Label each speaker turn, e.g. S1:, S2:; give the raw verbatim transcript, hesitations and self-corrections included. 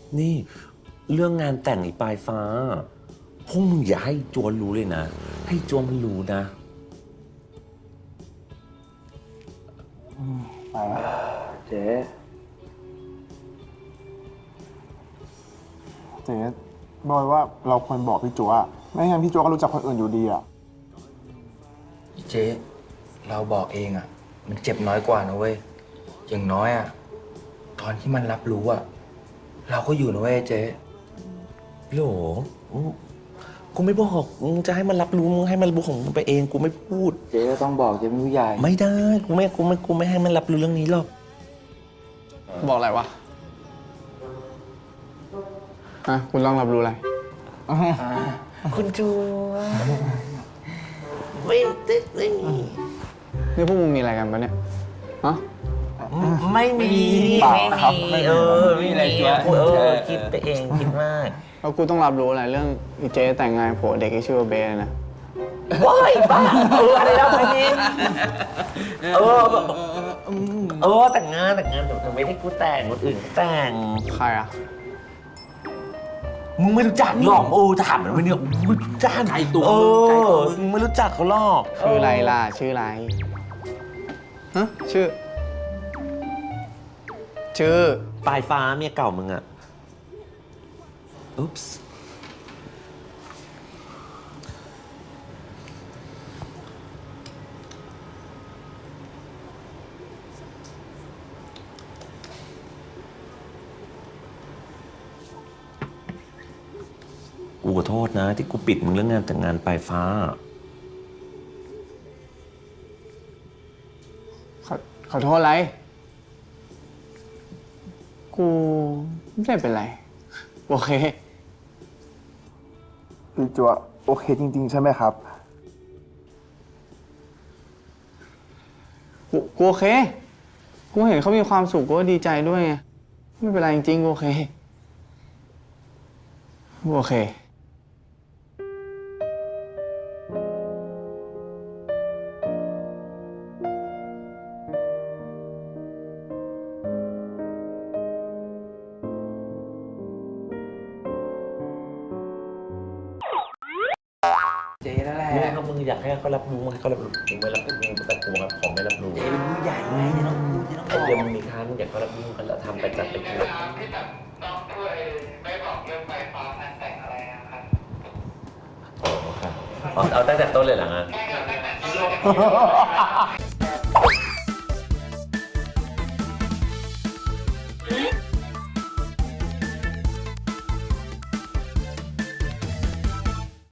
S1: นี่เรื่องงานแต่งอีปลายฟ้าพวกมึงอย่าให้จวนรู้เลยนะให้จวนมันรู้นะ
S2: ไปนะเจ๊เจ๊บอยว่าเราควรบอกพี่จัวไม่งั้นพี่จัวก็รู้จักคนอื่นอยู่ดีอ่ะ
S3: เจ๊เราบอกเองอ่ะมันเจ็บน้อยกว่านะเว้ยอย่างน้อยอ่ะตอนที่มันรับรู้อ่ะเราก็อยู่นะเว้ยเจ๊
S1: โหลกูไม่บอกมึงจะให้มันรับรู้มึงให้มันรู้ของมึงไปเองกูไม่พูด
S3: เจ๊ก็ต้องบอกเจ๊เป็นผู้ใหญ่
S1: ไม่ได้กูไม่กูไม่กูไม่ให้มันรับรู้เรื่องนี้หรอก
S4: บอกอะไรวะฮะคุณต้องรับรู้อะไร
S1: คุณจูไม่ได้ไม่
S4: นี่พวกมึงมีอะไรกันปะเนี่ยฮะ
S1: ไม่มีไม่มีเออไม่มีอะไรจ้ะเออคิดไปเองคิดมาก
S4: แล้วกูต้องรับรู้อะไรเรื่องอีเจ๊แต่งงานผัวเด็กที่ชื่อว่าเบสนะ
S1: ว้ายบ้าเอออะไรแล้วพี่เออเออแต่งงานแต่งงานแต่ไม่ได้กูแต่งคนอื่นแต่ง
S4: ใครอ่ะ
S1: มึงไม่รู้จักหรอกโอ้ถามมันไม่เนี่ยมึงจ้านไก่ตัวเออมึงไม่รู้จักเขาหรอก
S4: ชื่ออะไรล่ะชื่ออะไรฮะชื่อ ชื่อ
S1: ปลายฟ้าเมียเก่ามึงอะอุ๊ปส์กูขอโทษนะที่กูปิดมึงเรื่องงานแต่งงานปลายฟ้า
S4: ขอขอโทษอะไร กูไม่ได้เป็นไร โอเค
S2: พี่จัวโอเคจริงๆใช่ไหมครับ
S4: กูกูโอเค กูเห็นเขามีความสุขกูก็ดีใจด้วยไง ไม่เป็นไรจริงๆกูโอเคกูโอเค
S3: เจ๊นั่นแหละ
S1: มึงถ้ามึงอยากให้เขารับรู้มึงให้เขารับรู้มึงไม่รับรู้มึงแต่กูครับผมไม่รับรู้
S3: เจ๊เป็นผู้ใหญ่ไงเจ๊ต้องพูดเจ๊ต้องบ
S1: ไอ้
S3: อก
S1: เรื่องมึงมีค่ามึงอยากเขารับรู้มึงก็ทำไปจัดไปกิน
S5: ที่แบบต้องช่วยไม่บอกเรื่องไฟฟ้างานแต่งอะไรนะครับ
S1: อ๋อครับเอาเอาตั้งแต่ต้นเลยเหรองาน
S5: ไม่เกี่ยวกับแต่งที่โลก